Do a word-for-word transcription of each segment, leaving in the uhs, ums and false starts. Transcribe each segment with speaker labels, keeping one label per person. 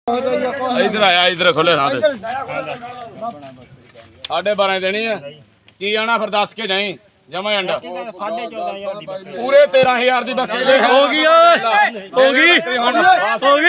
Speaker 1: इधर आया इधर खोले साढ़े बारह देनी है की आना फिर दस के नहीं जमा अंडा पूरे तेरह हजार की बकरी होगी होगी होगी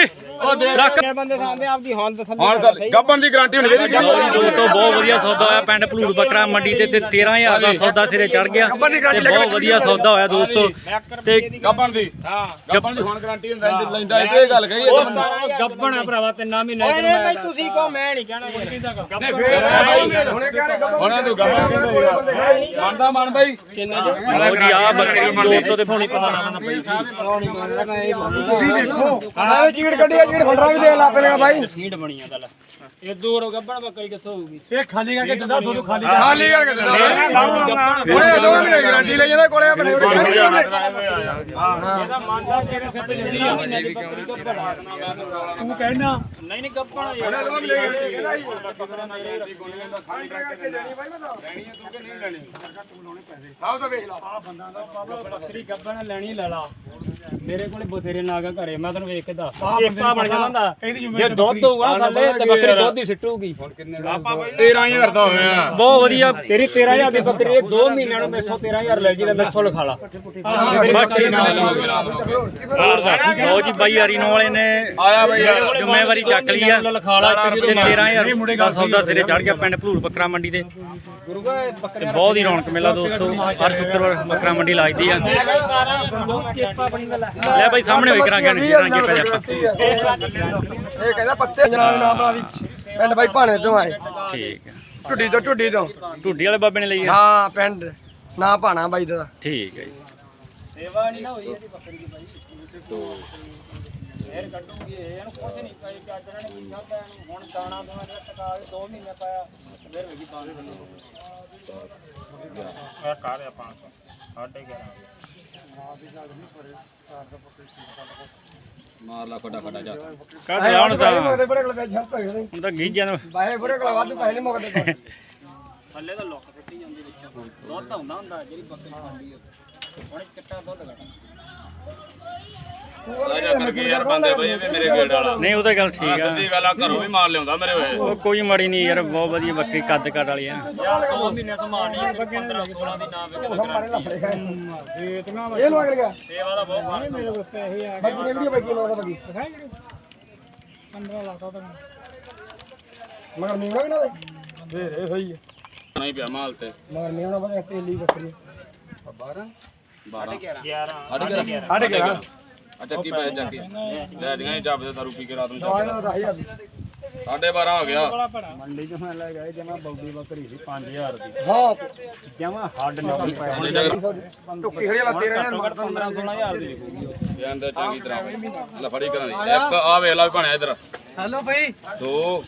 Speaker 1: ਗੱਬਣ ਦੀ ਗਾਰੰਟੀ ਹੋਣੀ ਚਾਹੀਦੀ
Speaker 2: ਦੋਸਤੋ ਬਹੁਤ ਵਧੀਆ ਸੌਦਾ ਹੋਇਆ ਪਿੰਡ ਭਲੂੜ ਬੱਕਰਾ ਮੰਡੀ ਤੇ ਤੇ ਤੇਰਾਂ ਹਜ਼ਾਰ ਦਾ ਸੌਦਾ ਸਿਰੇ ਚੜ ਗਿਆ ਤੇ ਬਹੁਤ ਵਧੀਆ ਸੌਦਾ ਹੋਇਆ ਦੋਸਤੋ ਤੇ
Speaker 1: ਗੱਬਣ ਦੀ ਹਾਂ ਗੱਬਣ ਦੀ ਹੁਣ ਗਾਰੰਟੀ ਹੁੰਦਾ ਲੈਂਦਾ ਇਹ ਗੱਲ ਕਹੀ
Speaker 2: ਗੱਬਣ ਆ ਭਰਾਵਾ ਤਿੰਨਾਂ ਮਹੀਨੇ ਚ ਮੈਂ ਤੁਸੀਂ ਕਹੋ ਮੈਂ ਨਹੀਂ ਕਹਿਣਾ ਕੋਈ ਨਹੀਂ
Speaker 1: ਹੁਣੇ ਹੁਣੇ ਤੂੰ ਗੱਬਣ ਕਹਿੰਦਾ ਮੰਨਦਾ ਮੰਨ ਬਾਈ
Speaker 2: ਕਿੰਨਾ ਚ ਜੀ ਆ ਬੱਕਰੀ ਦੋਸਤੋ ਤੇ ਫੋਨੀ ਪਤਾ ਨਾ ਪਈ
Speaker 3: ਤੁਸੀਂ ਦੇਖੋ ਆਹ ਚੀੜ ਕੱਢੀ ਚੀੜ ਫੰਡਰਾ ਵੀ ਦੇ ਲਾ ਪੇਗਾ ਬਾਈ
Speaker 2: ਸੀਟ ਬਣੀ ਆ ਗੱਲ ਇਹ ਦੂਰ ਗੱਬਣ ਬੱਕਰੀ ਕਿੱਥੋਂ ਹੋਊਗੀ
Speaker 3: ਇਹ ਖਾਲੀ ਕਰਕੇ ਦਿੰਦਾ ਤੁਹਾਨੂੰ ਖਾਲੀ
Speaker 1: ਖਾਲੀ ਕਰਕੇ ਦਿੰਦਾ
Speaker 3: ਉਹਨੇ ਦੋ ਮਹੀਨੇ ਗਾਰੰਟੀ ਲਈ ਜਾਂਦਾ ਕੋਲੇ ਆਪਣੇ
Speaker 2: ਇਹਦਾ ਮੰਨਦਾ ਤੇਰੇ ਸਿਰ ਤੇ ਜੱਦੀ ਆ ਮਹੀਨੇ ਦੀ ਬੱਕਰੀ ਗੱਬਣ
Speaker 3: ਤੂੰ ਕਹਿਣਾ
Speaker 2: ਨਹੀਂ ਨਹੀਂ ਗੱਬਣ ਯਾਰ ਬੱਕਰੀ ਗੱਬਣ ਲੈਣੀ ਲੈ ਲਾ ਮੇਰੇ ਕੋਲੇ ਬਥੇਰੇ ਨਾਗਾ ਘਰੇ ਮੈਂ ਤੈਨੂੰ ਵੇਖ ਕੇ ਦੱਸ ਚੇਪਾ ਬਣ ਜਾਂਦਾ ਜੇ ਦੁੱਧ ਹੋਊਗਾ ਥੱਲੇ ਤੇ ਬੱਕਰੀ ਦੁੱਧ ਹੀ ਸਿੱਟੂਗੀ
Speaker 1: ਤੇਰਾਂ ਹਜ਼ਾਰ ਦਾ ਹੋਇਆ
Speaker 2: ਬਹੁਤ ਵਧੀਆ ਤੇਰੀ ਤੇਰਾਂ ਹਜ਼ਾਰ ਦੀ ਬੱਕਰੀ ਇਹ ਦੋ ਮਹੀਨਿਆਂ ਨੂੰ ਮੈਥੋਂ ਤੇਰਾਂ ਹਜ਼ਾਰ ਲੈ ਜੀ ਲੈ ਮੈਥੋਂ ਲਿਖਾ ਲਾ ਲਓ ਜੀ ਬਾਈ ਅਰੀਨੋ ਵਾਲੇ ਨੇ
Speaker 1: ਆਇਆ ਬਈ ਯਾਰ
Speaker 2: ਜ਼ਿੰਮੇਵਾਰੀ ਚੱਕ ਲਈ ਆ ਲਿਖਾ ਲਾ ਤੇ ਤੇਰਾਂ ਹਜ਼ਾਰ ਦਾ ਸੌਦਾ ਸਿਰੇ ਚੜ ਗਿਆ ਪਿੰਡ ਭਲੂੜ ਬੱਕਰਾ ਮੰਡੀ ਤੇ ਤੇ ਬਹੁਤ ਹੀ ਰੌਣਕ ਮੇਲਾ ਦੋਸਤੋ ਹਰ ਸ਼ੁੱਕਰਵਾਰ ਬੱਕਰਾ ਮੰਡੀ ਲੱਗਦੀ ਆ ਲੈ ਬਾਈ ਸਾਹਮਣੇ ਹੋਈ ਕਰਾਂਗੇ ਰਾਂਗੇ ਪੈ ਆਪਾਂ
Speaker 3: ਇਹ ਕਹਿੰਦਾ ਪੱਤੇ ਜਨਾਬ ਨਾਮ ਵਾਲੀ ਪਿੰਡ ਬਾਈ ਭਾਣੇ ਤੋਂ ਆਏ
Speaker 2: ਠੀਕ ਹੈ
Speaker 3: ਢੁੱਡੀ ਤੋਂ ਢੁੱਡੀ ਤੋਂ
Speaker 2: ਢੁੱਡੀ ਵਾਲੇ ਬਾਬੇ ਨੇ ਲਈ ਆ
Speaker 3: ਹਾਂ ਪਿੰਡ ਨਾ ਭਾਣਾ ਬਾਈ ਦਾ
Speaker 2: ਠੀਕ ਹੈ ਜੀ ਸੇਵਾ ਨਹੀਂ ਨਾ ਹੋਈ ਇਹਦੀ ਬੱਕਰੀ ਦੀ ਬਾਈ ਫੇਰ ਕੱਢੂਗੀ ਇਹਨੂੰ ਕੁਝ ਨਹੀਂ ਪਾਈ ਚੱਜ ਨੇ ਕੀ ਖਾਦਾ ਇਹਨੂੰ ਹੁਣ ਦਾਣਾ ਦੋਣਾ ਜਿਹੜਾ ਟਕਾ ਕੇ ਦੋ ਮਹੀਨੇ ਪਾਇਆ ਫੇਰ ਵੇਗੀ ਪਾਣੀ ਬੰਨੋ ਇਹ ਕਰ ਆ ਪੰਜ ਸੌ ਸਾਢੇ ਗਿਆਰਾਂ
Speaker 1: ਮਾਰ ਲਾ ਫਟਾ ਫਟਾ ਜਾ
Speaker 2: ਕੱਢ ਜਾਣ ਤਾਂ
Speaker 3: ਉਹਦੇ ਬੜੇ ਕੋਲ ਪੈਸੇ ਹੱਥ ਹੋਏ
Speaker 2: ਹੁਣ ਤਾਂ ਗੀਜਿਆਂ ਨੂੰ
Speaker 3: ਬਾਹੇ ਬੜੇ ਕੋਲ ਵਾਧੂ ਪੈਸੇ ਨਹੀਂ ਮੁੱਕਦੇ
Speaker 2: ਥੱਲੇ ਤਾਂ ਲੁੱਕ ਸਿੱਟੀ ਜਾਂਦੀ ਵਿੱਚੋਂ ਦੁੱਧ ਆਉਂਦਾ ਹੁੰਦਾ ਜਿਹੜੀ ਬੱਕਰੀ ਖਾਂਦੀ ਆ ਹੁਣ ਚਿੱਟਾ ਦੁੱਧ ਘਟਾ
Speaker 1: ਰਾਜਾ ਕਰਕੇ ਯਾਰ ਬੰਦੇ ਬਈ ਇਹ ਮੇਰੇ ਗੇੜ ਵਾਲਾ
Speaker 2: ਨਹੀਂ ਉਹ ਤਾਂ ਗੱਲ ਠੀਕ ਆ
Speaker 1: ਸਿੱਧੀ ਗੱਲ ਆ ਘਰੋਂ ਵੀ ਮਾਰ ਲਿਆਉਂਦਾ ਮੇਰੇ ਹੋਏ
Speaker 2: ਉਹ ਕੋਈ ਮਾੜੀ ਨਹੀਂ ਯਾਰ ਬਹੁਤ ਵਧੀਆ ਬੱਕਰੀ ਕੱਦ ਕੱਦ ਵਾਲੀ ਆ ਯਾਰ ਦੋ ਮਹੀਨੇ ਸੰਭਾਲਣੀ ਪੰਦਰਾਂ ਸੋਲਾਂ ਦੀ ਨਾ ਵੇਖ
Speaker 3: ਇਹ ਲਵਾ ਕੇ ਗਿਆ
Speaker 2: ਸੇਵਾ ਦਾ ਬਹੁਤ ਮਾਣ
Speaker 3: ਮੇਰੇ ਕੋਲ ਪੈਸੇ ਆ ਗਏ ਬਾਕੀ ਵੀਡੀਓ ਬਾਕੀ ਲਵਾ ਦਾ ਬਾਕੀ ਦਿਖਾਈ ਜਿਹੜੀ ਪੰਦਰਾਂ ਲੱਖ ਦਾ ਮਗਰ ਮੀਣਾ ਵੀ ਨਾ ਦੇ ਦੇ ਸਹੀ ਹੈ
Speaker 1: ਨਹੀਂ ਪਿਆ ਮਾਲ ਤੇ
Speaker 3: ਮਗਰ ਮੀਣਾ ਬੜਾ ਤੇਲੀ ਬੱਕਰੀ ਬਾਰਾਂ
Speaker 1: ਬਾਰਾਂ
Speaker 2: ਗਿਆਰਾਂ
Speaker 3: ਸਾਢੇ ਗਿਆਰਾਂ
Speaker 1: ਆ ਚੱਕੀ ਪੈ ਚੱਕੀ ਲੈ ਦੀਆਂ ਜੱਬ ਦੇ ਦਾਰੂ ਪੀ ਕੇ ਰਾਤ ਨੂੰ
Speaker 3: ਆਹ ਦਾ ਦਸ ਹਜ਼ਾਰ ਦੀ
Speaker 1: ਸਾਢੇ ਬਾਰਾਂ ਹੋ ਗਿਆ
Speaker 2: ਮੰਡੀ ਚ ਮੈਂ ਲੈ ਗਏ ਜਮਾ ਬੌਡੀ ਬੱਕਰੀ ਸੀ ਪੰਜ ਹਜ਼ਾਰ ਦੀ
Speaker 3: ਹਾਂ
Speaker 2: ਜਮਾ ਹੱਡ ਨਿਕਲ ਪਏ
Speaker 3: ਟੁੱਕੀ ਖੜੀ ਲਾ ਤੇਰੇ ਨਾਲ
Speaker 2: ਪੰਦਰਾਂ ਸੋਲਾਂ ਹਜ਼ਾਰ ਦੀ ਵਿਕੂਗੀ
Speaker 1: ਜਾਂਦੇ ਚੰਗੀ ਤਰ੍ਹਾਂ ਲੈ ਫੜੀ ਕਰਾਂ ਦੀ ਇੱਕ ਆ ਵੇਖ ਲਾ ਵੀ ਭਾਣਿਆ ਇਧਰ
Speaker 3: ਹੈਲੋ ਭਾਈ
Speaker 1: ਦੋ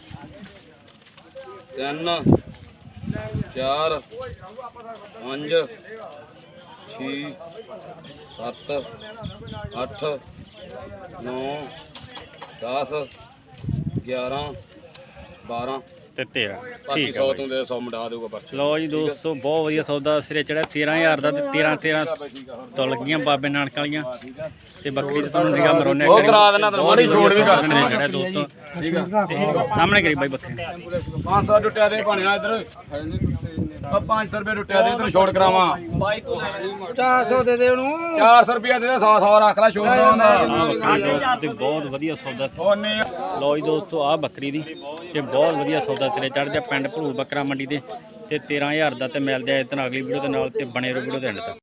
Speaker 1: ਤਿੰਨ ਚਾਰ ਪੰਜ ਛੇ ਸੱਤ ਅੱਠ ਨੌ ਦਸ ਗਿਆਰਾਂ ਬਾਰਾਂ
Speaker 2: ਤੇ ਤੇਰਾਂ
Speaker 1: ਬਾਕੀ
Speaker 2: ਠੀਕ
Speaker 1: ਸੌ
Speaker 2: ਆ
Speaker 1: ਤੋਂ ਦੇ ਸੌ ਮਿਟਾ ਦੇਊਗਾ ਪਰਚੀ
Speaker 2: ਲਓ ਜੀ ਦੋਸਤੋ ਬਹੁਤ ਵਧੀਆ ਸੌਦਾ ਸਿਰੇ ਚੜਿਆ ਤੇਰਾਂ ਹਜ਼ਾਰ ਦਾ ਤੇ ਤੇਰਾਂ ਤੇਰਾਂ ਤੋਂ ਲੱਗੀਆਂ ਬਾਬੇ ਨਾਨਕ ਵਾਲੀਆਂ ਤੇ ਬੱਕਰੀ ਤੇ ਤੁਹਾਨੂੰ ਨਿਗਾਹ ਮਰੋਨੇ
Speaker 1: ਉਹ ਕਰਾ ਦੇਣਾ ਤੈਨੂੰ ਮਾੜੀ ਛੋੜ ਵੀ ਕਰ
Speaker 2: ਦੇਣਾ ਦੋਸਤੋ ਠੀਕ ਆ ਤੇ ਸਾਹਮਣੇ ਕਰੀ ਬਾਈ ਬੱਕਰੀ
Speaker 1: ਪੰਜ ਸੌ ਟੁੱਟਿਆ ਦੇ ਭਾਣਿਆ ਇਧਰ ਆ ਪੰਜ ਸੌ ਰੁਪਏ ਟੁੱਟਿਆ ਦੇ ਤੈਨੂੰ ਛੋੜ ਕਰਾਵਾਂ
Speaker 3: ਚਾਰ ਸੌ ਦੇ ਦੇ ਉਹਨੂੰ
Speaker 1: ਚਾਰ ਸੌ ਰੁਪਏ ਦੇ ਦੇ ਸੌ ਸੌ ਰੱਖ ਲੈ ਛੋੜ ਕਰਾਵਾਂ
Speaker 2: ਤੇ ਬਹੁਤ ਵਧੀਆ ਸੌਦਾ ਸੀ
Speaker 1: ਉਹਨੇ
Speaker 2: ਲਓ ਜੀ ਦੋਸਤੋ ਆਹ ਬੱਕਰੀ ਦੀ ਤੇ ਬਹੁਤ ਵਧੀਆ ਸੌਦਾ ਸਿਰੇ ਚੜ ਗਿਆ ਪਿੰਡ ਭਲੂੜ ਬੱਕਰਾ ਮੰਡੀ ਦੇ ਤੇ ਤੇਰਾਂ ਹਜ਼ਾਰ ਦਾ ਤੇ ਮਿਲਦੇ ਆ ਇਤਨਾ ਅਗਲੀ ਵੀਡੀਓ ਦੇ ਨਾਲ ਤੇ ਬਣੇ ਰਹੋ ਵੀਡੀਓ ਦੇ ਐਂਡ ਤੱਕ।